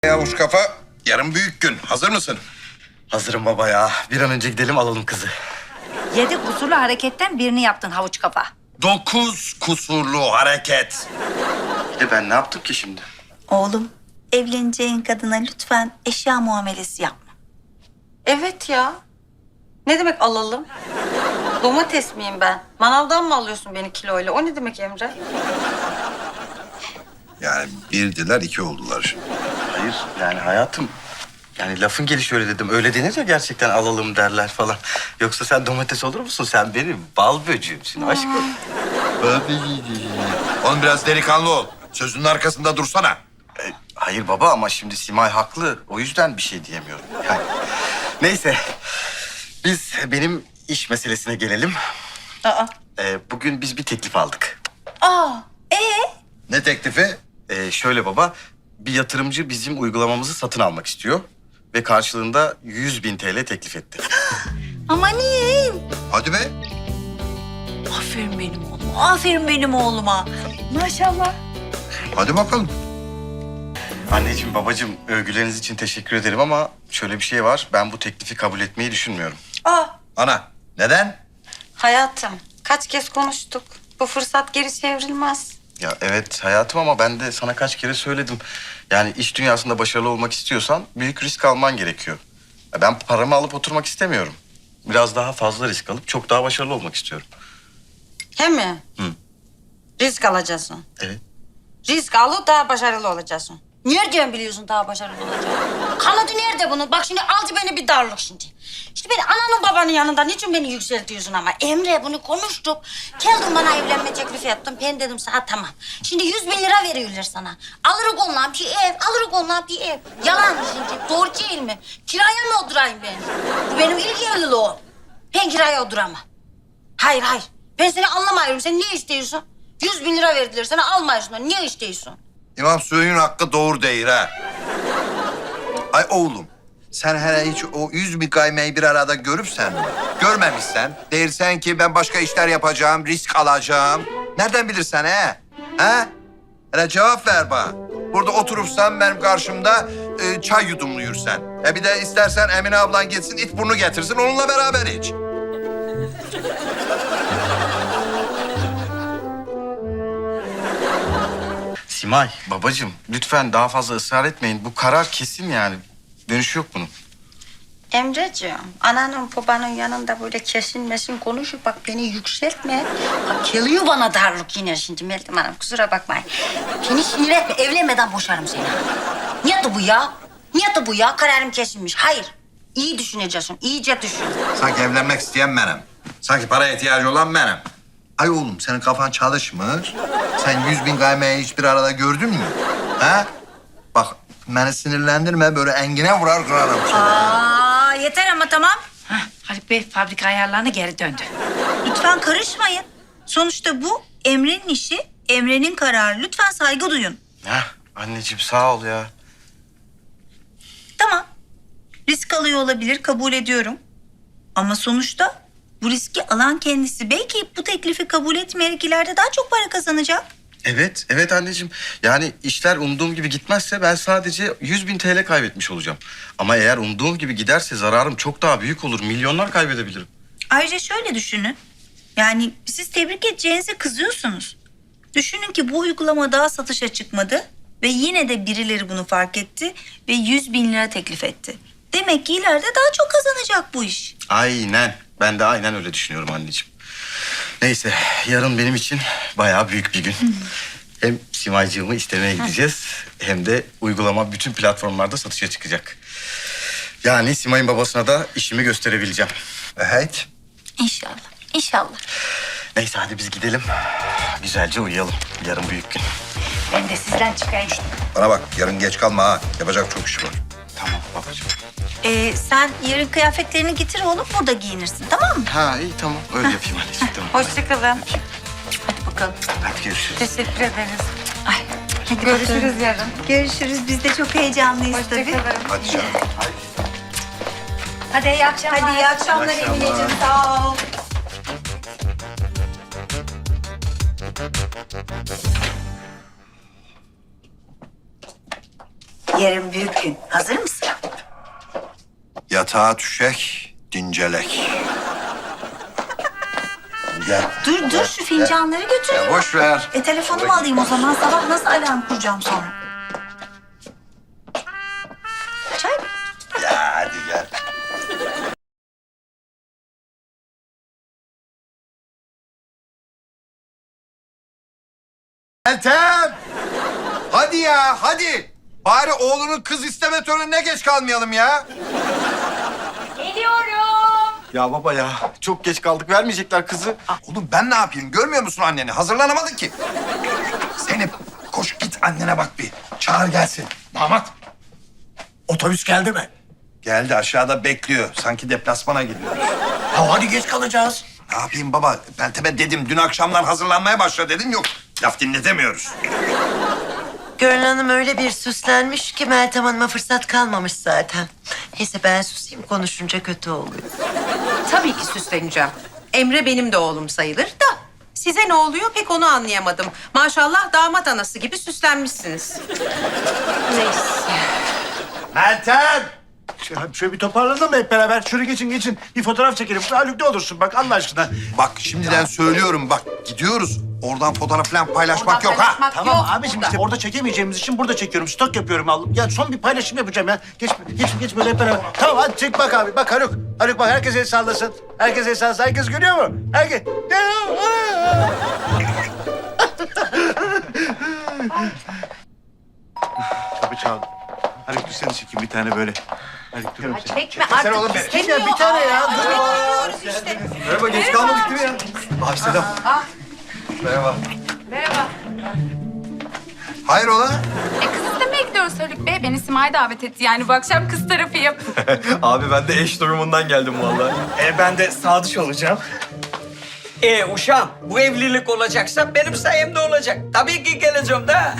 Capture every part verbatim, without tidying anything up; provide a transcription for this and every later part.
Yavuş kafa, yarın büyük gün. Hazır mısın? Hazırım baba ya. Bir an önce gidelim alalım kızı. Yedi kusurlu hareketten birini yaptın havuç kafa. Dokuz kusurlu hareket. Bir de ben ne yaptım ki şimdi? Oğlum, evleneceğin kadına lütfen eşya muamelesi yapma. Evet ya. Ne demek alalım? Domates miyim ben? Manavdan mı alıyorsun beni kiloyla? O ne demek Emre? Yani birdiler, iki oldular. Hayır yani hayatım. Yani lafın gelişi öyle dedim. Öyle denir ya gerçekten alalım derler falan. Yoksa sen domates olur musun? Sen benim bal böceğimsin aşkım. Oğlum biraz delikanlı ol. Sözünün arkasında dursana. E, hayır baba ama şimdi Simay haklı. O yüzden bir şey diyemiyorum. Yani. Neyse. Biz benim iş meselesine gelelim. Aa. E, bugün biz bir teklif aldık. Aa, ee? Ne teklifi? E, şöyle baba. Bir yatırımcı bizim uygulamamızı satın almak istiyor. Ve karşılığında yüz bin T L teklif etti. Amanin. Hadi be. Aferin benim oğluma, aferin benim oğluma. Maşallah. Hadi bakalım. Anneciğim, babacığım övgüleriniz için teşekkür ederim ama şöyle bir şey var. Ben bu teklifi kabul etmeyi düşünmüyorum. Aa, Ana, neden? hayatım. Kaç kez konuştuk. Bu fırsat geri çevrilmez. Ya evet hayatım ama ben de sana kaç kere söyledim. Yani iş dünyasında başarılı olmak istiyorsan büyük risk alman gerekiyor. Ya ben paramı alıp oturmak istemiyorum. Biraz daha fazla risk alıp çok daha başarılı olmak istiyorum. He mi? Hı. Risk alacaksın. Evet. Risk alıp daha başarılı olacaksın. Nereden biliyorsun daha başarılı olacağını? Kanadı nerede bunun? Bak şimdi aldı beni bir darlık şimdi. İşte beni ananın babanın yanında niçin beni yükseltiyorsun ama? Emre bunu konuştuk. Geldin bana evlenme teklifi yaptın. Ben dedim sana tamam. Şimdi yüz bin lira veriyorlar sana. Alırız onunla bir ev, alırız onunla bir ev. Yalan mı şimdi? Doğru değil mi? Kiraya mı oturayım ben? Bu benim ilk evliliğim. Ben kiraya oturamam. Hayır hayır. Ben seni anlamıyorum. Sen ne istiyorsun? Yüz bin lira verdiler sana almıyorsun. Niye istiyorsun? İmam suyun hakkı doğru değil ha. Ay oğlum, sen hele hiç o yüz bin kaymayı bir arada görüpsen mi? Görmemişsen, dersen ki ben başka işler yapacağım, risk alacağım. Nereden bilirsen he? He? Hele cevap ver bana. Burada oturursan benim karşımda e, çay yudumluyursan. E bir de istersen Emine ablan gitsin, it burnu getirsin, onunla beraber iç. Simay, babacığım lütfen daha fazla ısrar etmeyin. Bu karar kesin yani. Dönüşü yok bunun. Emreciğim, ananın babanın yanında böyle kesin mesin konuşup bak beni yükseltme. Bak geliyor bana darlık yine şimdi Meltem Hanım, kusura bakmayın. Beni sinir etme, evlenmeden boşarım seni. Niye de bu ya? Niye de bu ya? Kararım kesilmiş. Hayır, iyi düşüneceksin, iyice düşün. Sanki evlenmek isteyen benim. Sanki paraya ihtiyacı olan benim. Ay oğlum senin kafan çalışmır. Sen yüz bin kaymayı hiçbir arada gördün mü? Ha? Bak beni sinirlendirme böyle engine vurar kırarım seni. Aa, yeter ama tamam. Hah, Haluk Bey fabrika ayarlarına geri döndü. Lütfen karışmayın. Sonuçta bu Emre'nin işi, Emre'nin kararı. Lütfen saygı duyun. Heh, anneciğim sağ ol ya. Tamam. Risk alıyor olabilir, kabul ediyorum. Ama sonuçta bu riski alan kendisi. Belki bu teklifi kabul etmeyerek ileride daha çok para kazanacak. Evet, evet anneciğim. Yani işler umduğum gibi gitmezse ben sadece yüz bin T L kaybetmiş olacağım. Ama eğer umduğum gibi giderse zararım çok daha büyük olur. Milyonlar kaybedebilirim. Ayrıca şöyle düşünün. Yani siz tebrik edeceğinize kızıyorsunuz. Düşünün ki bu uygulama daha satışa çıkmadı ve yine de birileri bunu fark etti ve yüz bin lira teklif etti. Demek ki ileride daha çok kazanacak bu iş. Aynen. Ben de aynen öyle düşünüyorum anneciğim. Neyse, yarın benim için bayağı büyük bir gün. Hem Simaycığımı istemeye gideceğiz hem de uygulama bütün platformlarda satışa çıkacak. Yani Simay'ın babasına da işimi gösterebileceğim. Evet. İnşallah, inşallah. Neyse hadi biz gidelim. Güzelce uyuyalım. Yarın büyük gün. Ben de sizden çıkayım. Bana bak yarın geç kalma ha. Yapacak çok iş var. Tamam babacığım. Ee, sen yarın kıyafetlerini getir oğlum, burada giyinirsin, tamam mı? Ha iyi tamam öyle yapayım anneciğim tamam. Hoşçakalın. Hadi bakalım. Hadi görüşürüz. Teşekkür ederiz. Ay, hadi Görüşürüz bakalım. yarın. Görüşürüz. Biz de çok heyecanlıyız tabii. Hoşçakalın. Hadi canım. Hadi iyi akşamlar. Hadi iyi akşamlar İyi akşamlar. Emineciğim. Sağ ol. Yarın büyük gün. Hazır mısın? Yatağa düşek, dincelek. Gel. Dur dur şu fincanları götüreyim. Ya boş ver. E telefonumu alayım o zaman. Sabah nasıl alarm kuracağım sonra? Çay mı? Ya hadi gel. Meltem! Hadi ya, hadi. Bari oğlunun kız isteme törenine geç kalmayalım ya. Ya baba ya çok geç kaldık vermeyecekler kızı. Oğlum ben ne yapayım? Görmüyor musun anneni? Hazırlanamadın ki. Zeynep koş git annene bak bir. Çağır gelsin. Damat, otobüs geldi mi? Geldi aşağıda bekliyor. Sanki deplasmana gidiyor. Ya hadi geç kalacağız. Ne yapayım baba? Meltem'e dedim dün akşamdan hazırlanmaya başla dedim. Yok laf dinletemiyoruz. Gönül Hanım öyle bir süslenmiş ki Meltem Hanım'a fırsat kalmamış zaten. Neyse ben susayım, konuşunca kötü oluyor. Tabii ki süsleneceğim. Emre benim de oğlum sayılır da. Size ne oluyor pek onu anlayamadım. Maşallah damat anası gibi süslenmişsiniz. Neyse. Meltem! Şöyle, şöyle bir toparlanalım mı hep beraber? Şöyle geçin geçin. Bir fotoğraf çekelim. Haluk ne olursun bak Allah aşkına. Bak şimdiden söylüyorum bak gidiyoruz. Oradan fotoğraf falan paylaşmak Oradan yok ha. paylaşmak Tamam yok abiciğim burada. işte orada çekemeyeceğimiz için burada çekiyorum. Stok yapıyorum oğlum. Ya son bir paylaşım yapacağım ya. Geç geç geç böyle hep beraber. Tamam hadi çek bak abi. Bak Haluk. Haluk bak herkes el sallasın. Herkes el sallasın. Herkes görüyor mu? Herkes. Kapı çaldı. Haluk dur seni çekeyim bir tane böyle. Haluk dur. Çekme artık oğlum be. istemiyor. Ya bir tane ya. Aa, Dur. bekliyoruz işte. Merhaba geç kalmadık değil mi ya? Abi selam. Merhaba. Merhaba. Hayrola? E kız istemeye gidiyoruz Haluk Bey. Beni Simay davet etti. Yani bu akşam kız tarafıyım. Abi ben de eş durumundan geldim vallahi. E ben de sadıç olacağım. E uşağım bu evlilik olacaksa benim sayemde olacak. Tabii ki geleceğim de.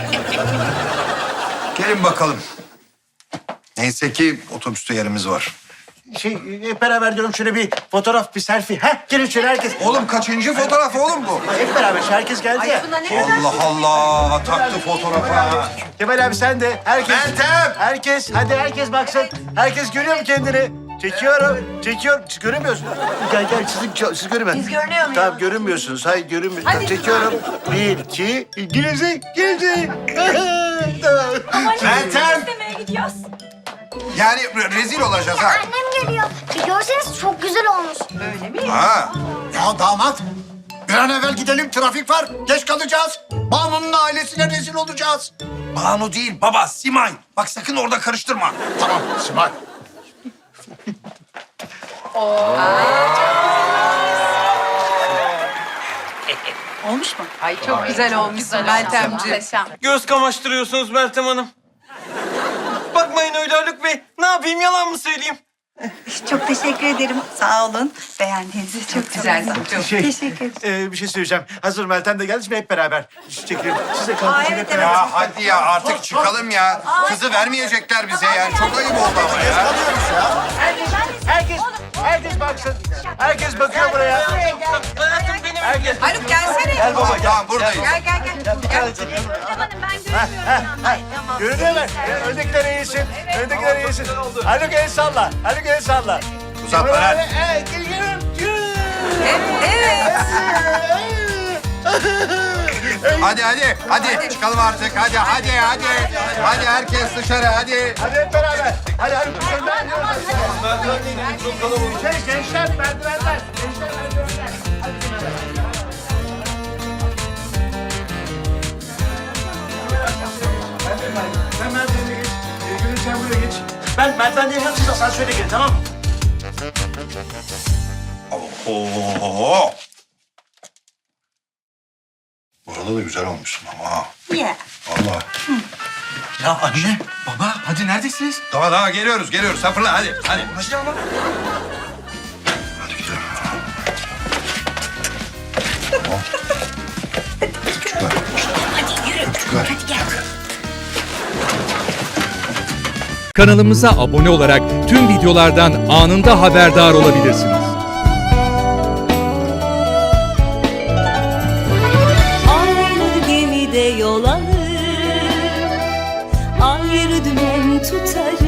Gelin bakalım. Neyse ki otobüste yerimiz var. Şey hep beraber diyorum şöyle bir fotoğraf, bir selfie. Heh gelin şöyle herkes. Oğlum kaçıncı fotoğraf oğlum bu? Hep beraber herkes geldi ya. Allah Allah taktı fotoğrafa. Kemal abi sen de. Herkes. Meltem! Herkes. Hadi herkes baksın. Herkes görüyor mu kendini? Çekiyorum. Çekiyorum. Siz göremiyorsunuz. Gel gel siz, siz görün. Biz görünüyor muyuz? Tamam görünmüyorsunuz. Hayır görünmüyorsunuz. Tamam, çekiyorum. Bir, iki. Gülümse. Gülümse. Tamam. Meltem! İstemeye gidiyoruz. Yani re- rezil olacağız ha. Annem geliyor. Bir görseniz çok güzel olmuş. Ha. Ya damat. Bir an evvel gidelim. Trafik var. Geç kalacağız. Banu'nun ailesine rezil olacağız. Banu değil baba Simay. Bak sakın orada karıştırma. Tamam Simay. Olmuş mu? Ay çok güzel olmuşsun Meltemciğim. Muhteşem. Göz kamaştırıyorsunuz Meltem Hanım. Bakmayın öyle Haluk Bey. Ne yapayım yalan mı söyleyeyim? Çok teşekkür ederim. Sağ olun. Beğendiğiniz için çok Güzel. sevindim. Çok. Şey, Teşekkür ederim. e, bir şey söyleyeceğim. Hazır Meltem de geldi. Şimdi hep beraber çekelim. Siz de kalın. Aa, hep evet, beraber. Ya hadi ya artık çıkalım ya. Kızı vermeyecekler bize yani. Çok ayıp oldu ama ya. Kalıyoruz ya. Herkes, herkes, herkes baksın. Herkes bakıyor buraya. Hayatım benim. Herkes. Haluk gelsene. Gel baba gel. Tamam buradayız. Gel gel gel. Bir tane çekelim. Görünüyor mu? Öndekiler iyisin. Öndekiler iyisin. Haluk el salla. Haluk el salla. Uzatma lan. Evet, geliyorum. Evet. Hadi hadi hadi çıkalım artık. Hadi hadi hadi. Hadi herkes dışarı hadi. Hadi hep beraber. Hadi Haluk dışarıdan. Şey, gençler merdivenler. Gençler merdivenler. Sen merdivene geç. Ee, Gülün sen buraya geç. Ben merdivende yaşam siz asansöre gelin tamam mı? Oo. Burada da güzel olmuşsun ama ha. Yeah. Vallahi. Ya anne, baba hadi neredesiniz? Tamam tamam geliyoruz geliyoruz. Sen fırla hadi hadi. Hadi ama. Hadi gidelim. Tamam. Çocuklar. Hadi yürü. Çocuklar. Hadi gel. Kanalımıza abone olarak tüm videolardan anında haberdar olabilirsiniz. Aynı gemide yol alır, ayrı dümen tutar